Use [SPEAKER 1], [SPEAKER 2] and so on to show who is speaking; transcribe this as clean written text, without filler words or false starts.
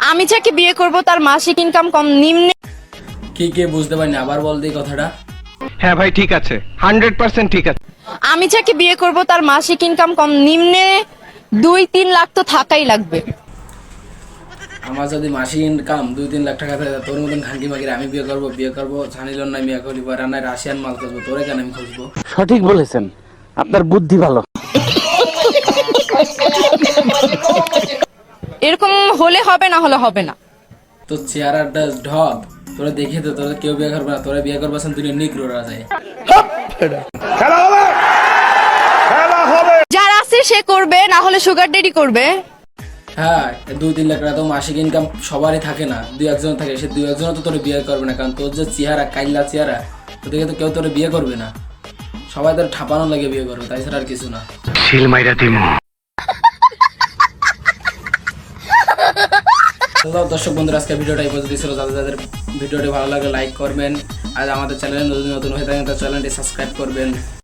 [SPEAKER 1] আমি যাকে বিয়ে করব তার মাসিক ইনকাম কম নিম্নে
[SPEAKER 2] কি কে বুঝতে পারিনি, আবার বল দিই কথাটা।
[SPEAKER 3] হ্যাঁ ভাই ঠিক আছে, 100% ঠিক আছে।
[SPEAKER 1] আমি যাকে বিয়ে করব তার মাসিক ইনকাম কম নিম্নে 2-3 লাখ তো থাকাই লাগবে।
[SPEAKER 2] আমার যদি মাসিক ইনকাম 2-3 লাখ টাকা থাকে, তোর মতন খানকি মাগির আমি বিয়ে করবো জানিল না মিয়া করি রান্নায় রাশিয়ান মাল করবো, তোরে কেন আমি খুঁজবো?
[SPEAKER 4] সঠিক বলেছেন, আপনার বুদ্ধি ভালো।
[SPEAKER 1] এরকম হলে হবে, না হলে হবে না।
[SPEAKER 2] তোর চেহারাটা ঢপ, তোরা দেখে তো তোরা কেউ বিয়ে করবে না, তোরা বিয়ে করবে দুনিয়া নিগ্রোরা যায়।
[SPEAKER 1] যার আছে সে করবে, না হলে সুগার ডেডি করবে।
[SPEAKER 2] হ্যাঁ, 2-3 লাখ টাকা তো মাসিক ইনকাম সবারই থাকে না, 2-1 থাকে, সে 2-1 তো তোর বিয়ে করবে না, কারণ তোর যে চেহারা কাইল্লা চেহারা, তো দেখে তো কেউ তোর বিয়ে করবে না, সবাই তোর ঠাপানো লাগে বিয়ে করবে, তাই ছাড়া আর কিছু না। হ্যালো দর্শক বন্ধুরা, আজকে ভিডিওটা এই পর্যন্ত ছিল। যাদের ভিডিওটি ভালো লাগে লাইক করবেন, আর আমাদের চ্যানেলে নতুন নতুন হয়ে থাকেন তার চ্যানেলটি সাবস্ক্রাইব করবেন।